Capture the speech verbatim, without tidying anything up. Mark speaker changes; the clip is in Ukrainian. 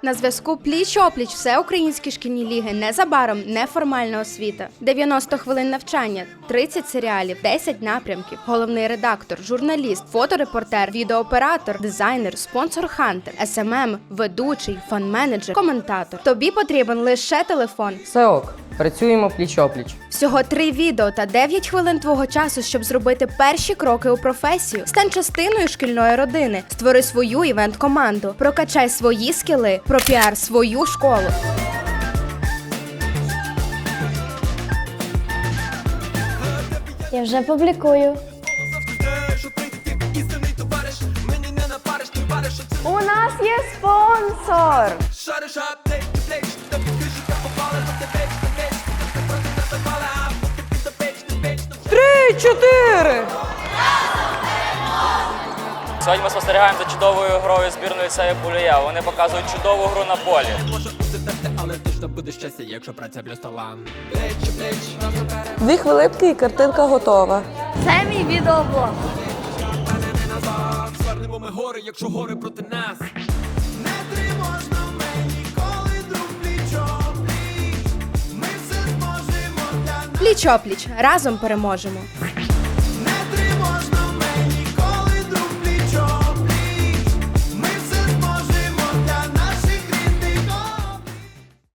Speaker 1: На зв'язку пліч-опліч всеукраїнські шкільні ліги, незабаром неформальна освіта. дев'яносто хвилин навчання, тридцять серіалів, десять напрямків. Головний редактор, журналіст, фоторепортер, відеооператор, дизайнер, спонсор Хантер, ес ем ем, ведучий, фан-менеджер, коментатор. Тобі потрібен лише телефон.
Speaker 2: Все ок, працюємо пліч-опліч.
Speaker 1: Всього три відео та дев'ять хвилин твого часу, щоб зробити перші кроки у професію. Стань частиною шкільної родини. Створи свою івент-команду. Прокачай свої скіли. Пропіар свою школу.
Speaker 3: Я вже публікую. У нас є спонсор!
Speaker 2: Три, чотири!
Speaker 4: Сьогодні ми спостерігаємо за чудовою грою збірної ліцею Пулія. Вони показують чудову гру на полі.
Speaker 5: Може бути те, але точно буде щастя, якщо праця плюс талант.
Speaker 6: Дві хвилинки і картинка готова.
Speaker 3: Це мій відеоблог.
Speaker 5: Звернемо ми гори, якщо гори проти нас. Не тривожно мені, коли друг пліч-опліч. Ми все зможемо для нас.
Speaker 1: Пліч-опліч. Разом переможемо.